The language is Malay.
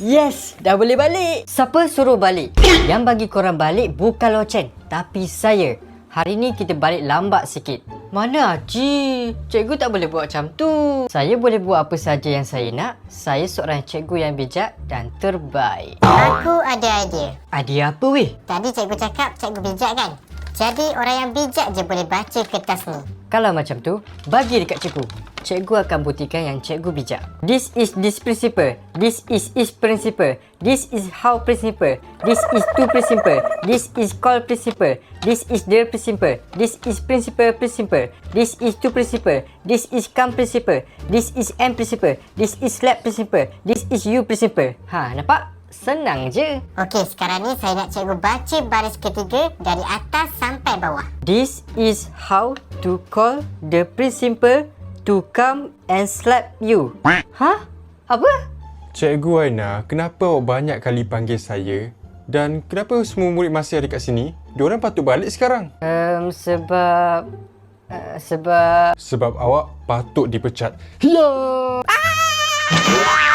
Yes, dah boleh balik. Siapa suruh balik? Yang bagi korang balik bukan loceng, tapi saya. Hari ni kita balik lambat sikit. Mana Haji? Cikgu tak boleh buat macam tu. Saya boleh buat apa saja yang saya nak. Saya seorang cikgu yang bijak dan terbaik. Aku ada idea. Idea apa weh? Tadi cikgu cakap cikgu bijak kan? Jadi orang yang bijak je boleh baca kertas ni. Kalau macam tu, bagi dekat cikgu. Cikgu akan buktikan yang cikgu bijak. This is this principle. This is principle. This is how principle. This is to principle. This is called principle. This is their principle. This is principle principle. This is to principle. This is come principle. This is M principle. This is lab principle. This is you principle. Ha, nampak? Senang je. Okey, sekarang ni saya nak cikgu baca baris ketiga dari atas sampai bawah. This is how to call the principal to come and slap you. Hah? Apa? Cikgu Aina, kenapa awak banyak kali panggil saya? Dan kenapa semua murid masih ada kat sini? Diorang patut balik sekarang. Sebab Sebab awak patut dipecat. Hiya!